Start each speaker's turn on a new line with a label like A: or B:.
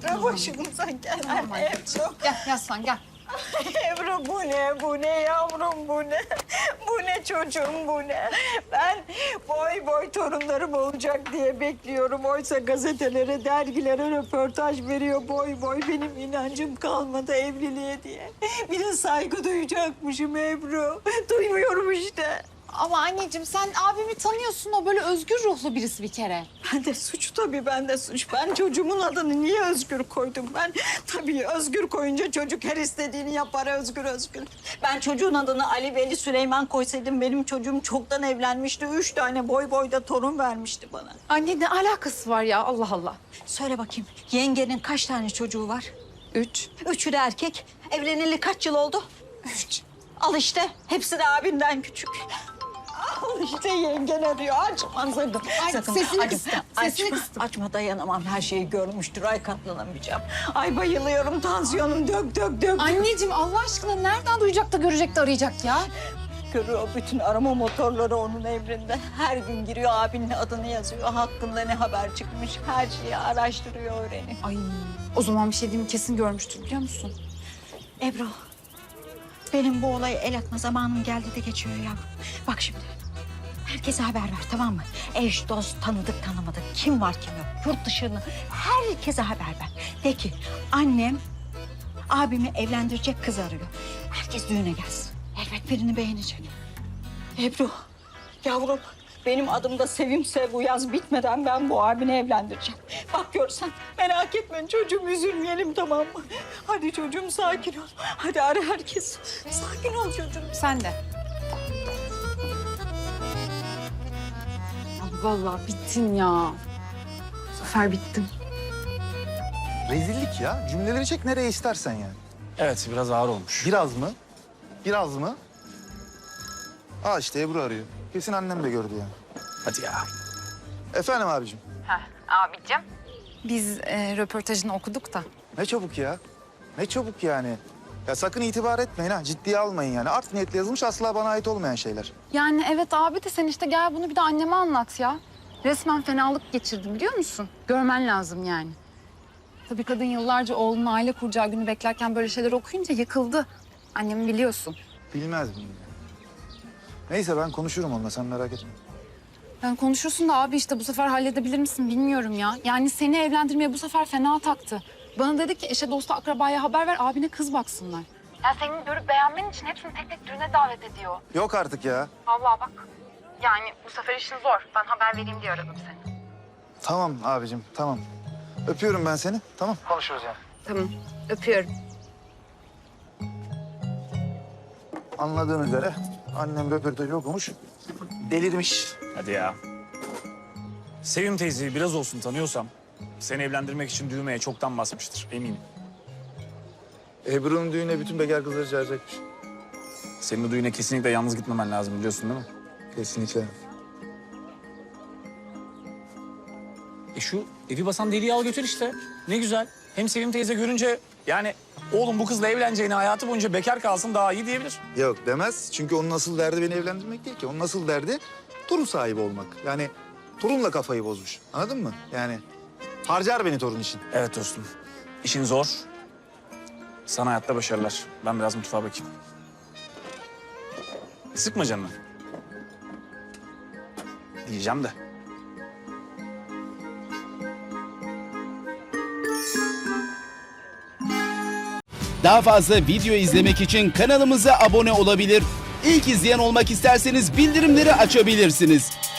A: Ebru başımıza gelen Ebru.
B: Gel yaslan gel.
A: Ebru bu ne yavrum bu ne? Bu ne çocuğum bu ne? Ben boy torunlarım olacak diye bekliyorum. Oysa gazetelere, dergilere röportaj veriyor boy benim inancım kalmadı evliliğe diye. Bir de saygı duyacakmışım Ebru. Duymuyorum işte.
B: Ama anneciğim sen abimi tanıyorsun. O böyle özgür ruhlu birisi bir kere.
A: Ben de suç tabii, ben de suç. Ben çocuğumun adını niye Özgür koydum? Ben tabii Özgür koyunca çocuk her istediğini yapar Özgür. Ben çocuğun adını Ali Veli Süleyman koysaydım benim çocuğum çoktan evlenmişti. 3 tane boyda torun vermişti bana.
B: Anne ne alakası var ya Allah Allah.
A: Söyle bakayım, yengenin kaç tane çocuğu var?
B: 3.
A: 3'ü de erkek. Evleneli kaç yıl oldu? 3. Al işte, hepsi de abinden küçük. Al işte yengen arıyor. Açma sakın.
B: Ay, sesini kıstım, sesini kıstım.
A: Açma, dayanamam. Her şeyi görmüştür. Ay katlanamayacağım. Ay bayılıyorum. Tansiyonum dök.
B: Anneciğim Allah aşkına nereden duyacak da görecek de arayacak ya?
A: Görüyor bütün arama motorları onun emrinde. Her gün giriyor, abinin adını yazıyor. Hakkında ne haber çıkmış. Her şeyi araştırıyor, öğreniyor.
B: Ay o zaman bir şey diyeyim kesin görmüştür biliyor musun?
A: Ebru, benim bu olaya el atma zamanım geldi de geçiyor ya. Bak şimdi. Herkese haber ver, tamam mı? Eş, dost, tanıdık, tanımadık. Kim var kim yok. Yurt dışını herkese haber ver. De ki annem abimi evlendirecek kız arıyor. Herkes düğüne gelsin. Elbet birini beğenecek. Ebru, yavrum benim adım da Sevimse bu yaz bitmeden ben bu abini evlendireceğim. Bak görsen merak etme çocuğum, üzülmeyelim, tamam mı? Hadi çocuğum sakin ol. Hadi ara herkes. Sakin ol çocuğum.
B: Sen de. Vallahi bittin ya. Bu sefer bittim.
C: Rezillik ya. Cümleleri çek nereye istersen yani.
D: Evet, biraz ağır olmuş.
C: Biraz mı? Biraz mı? Aa işte Ebru arıyor. Kesin annem de gördü yani.
D: Hadi ya.
C: Efendim abicim.
B: Abicim. Biz röportajını okuduk da.
C: Ne çabuk ya. Ne çabuk yani. Ya sakın itibar etmeyin ha. Ciddiye almayın yani. Art niyetle yazılmış, asla bana ait olmayan şeyler.
B: Yani evet abi de sen işte gel bunu bir de anneme anlat ya. Resmen fenalık geçirdim biliyor musun? Görmen lazım yani. Tabii kadın yıllarca oğlunun aile kuracağı günü beklerken böyle şeyler okuyunca yıkıldı. Annemi biliyorsun.
C: Bilmez miyim? Neyse ben konuşurum onunla, sen merak etme.
B: Yani konuşursun da abi işte bu sefer halledebilir misin bilmiyorum ya. Yani seni evlendirmeye bu sefer fena taktı. Bana dedi ki eşe dosta akrabaya haber ver abine kız baksınlar. Ya senin görüp beğenmen için hepsini tek düğüne davet ediyor.
C: Yok artık ya.
B: Vallahi bak. Yani bu sefer işin zor. Ben haber vereyim diye aradım seni.
C: Tamam abicim, tamam. Öpüyorum ben seni, tamam. Konuşuruz yani.
B: Tamam. Öpüyorum.
C: Anladığın üzere annem röportajı okumuş, delirmiş.
D: Hadi ya. Sevim teyzeyi biraz olsun tanıyorsam seni evlendirmek için düğmeye çoktan basmıştır eminim.
C: Ebru'nun düğüne bütün bekar kızları çağıracakmış.
D: Senin o düğüne kesinlikle yalnız gitmemen lazım biliyorsun değil mi?
C: Kesinlikle.
D: Şu evi basan deliği al götür işte. Ne güzel. Hem Sevim teyze görünce yani oğlum bu kızla evleneceğine hayatı boyunca bekar kalsın daha iyi diyebilir.
C: Yok demez. Çünkü onun asıl derdi beni evlendirmek değil ki. Onun asıl derdi torun sahibi olmak. Yani torunla kafayı bozmuş. Anladın mı? Yani harcar beni torun için.
D: Evet dostum. İşin zor. Sana hayatta başarılar. Ben biraz mutfağa bakayım. Sıkma canını. Diyeceğim de.
E: Daha fazla video izlemek için kanalımıza abone olabilir. İlk izleyen olmak isterseniz bildirimleri açabilirsiniz.